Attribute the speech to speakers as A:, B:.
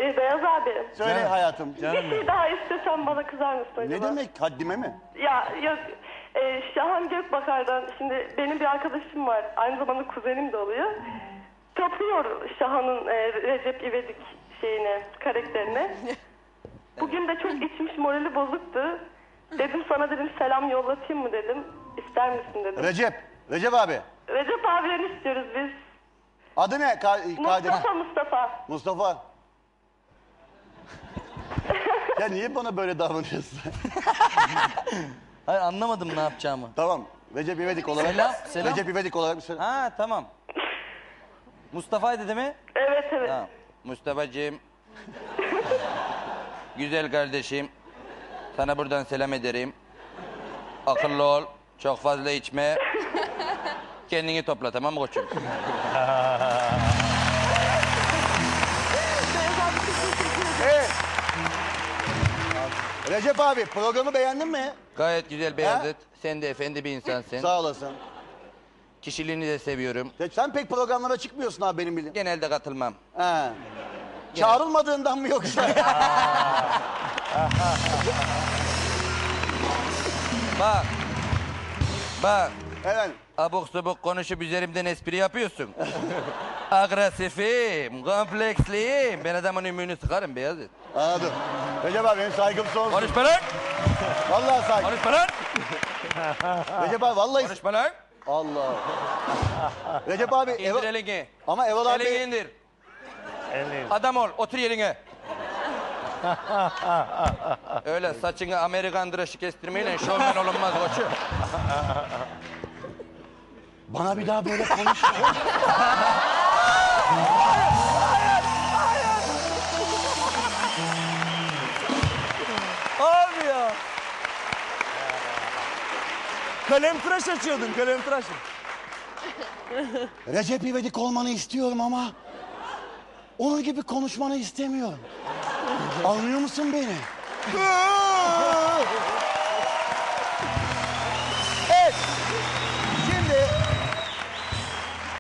A: Beyaz abi.
B: Söyle
C: Canım.
B: hayatım.
C: Canım
A: Bir şey daha istesem bana kızar mısın acaba?
B: Ne demek? Haddime mi?
A: Ya yok. Şahan Gökbakar'dan şimdi benim bir arkadaşım var. Aynı zamanda kuzenim de oluyor. Tapıyor Şahan'ın Recep İvedik karakterine. Bugün de çok içmiş, morali bozuktu. Dedim sana selam yollatayım mı dedim. İster misin dedim.
B: Recep abi.
A: Recep abilerini istiyoruz biz.
B: Adı ne?
A: Mustafa.
B: Mustafa. Ya niye bana böyle davranıyorsun?
C: Hayır, anlamadım ne yapacağımı.
B: Tamam. Recep İvedik olarak.
C: Selam.
B: Recep İvedik olarak bir selam.
C: Ha tamam. Mustafa'ydı değil mi?
A: Evet.
C: Tamam. Mustafa'cığım. Güzel kardeşim. Sana buradan selam ederim. Akıllı ol. Çok fazla içme. Kendini topla, tamam mı koçum?
B: Evet. Recep abi programı beğendin mi?
C: Gayet güzel Beyazıt. Sen de efendi bir insansın.
B: Sağ olasın.
C: Kişiliğini de seviyorum.
B: Sen pek programlara çıkmıyorsun abi benim bildiğim.
C: Genelde katılmam.
B: He. Çağrılmadığından mı yoksa?
C: Bak.
B: Evet.
C: Abuk subuk konuşup üzerimden espri yapıyorsun. Agresifim, kompleksliyim. Ben adamın ümüğünü sıkarım Beyazıt.
B: Anladım. Recep abi benim saygım sonsuz.
C: Konuşma lan!
B: Vallahi saygım.
C: Konuşma lan!
B: Recep abi vallahi...
C: Konuşma lan!
B: Allah. Recep abi...
C: İndir elini.
B: Ama Erol abi...
C: Elini indir. Adam ol, otur yerine. Öyle saçını Amerikan dışı kestirmeyle şovmen olunmaz koçum.
B: Bana bir daha böyle konuşma.
D: Abi ya. Kalemtıraş açıyordun, kalemtıraş.
B: Recep İvedik olmanı istiyorum ama... onun gibi konuşmanı istemiyorum. Anlıyor musun beni?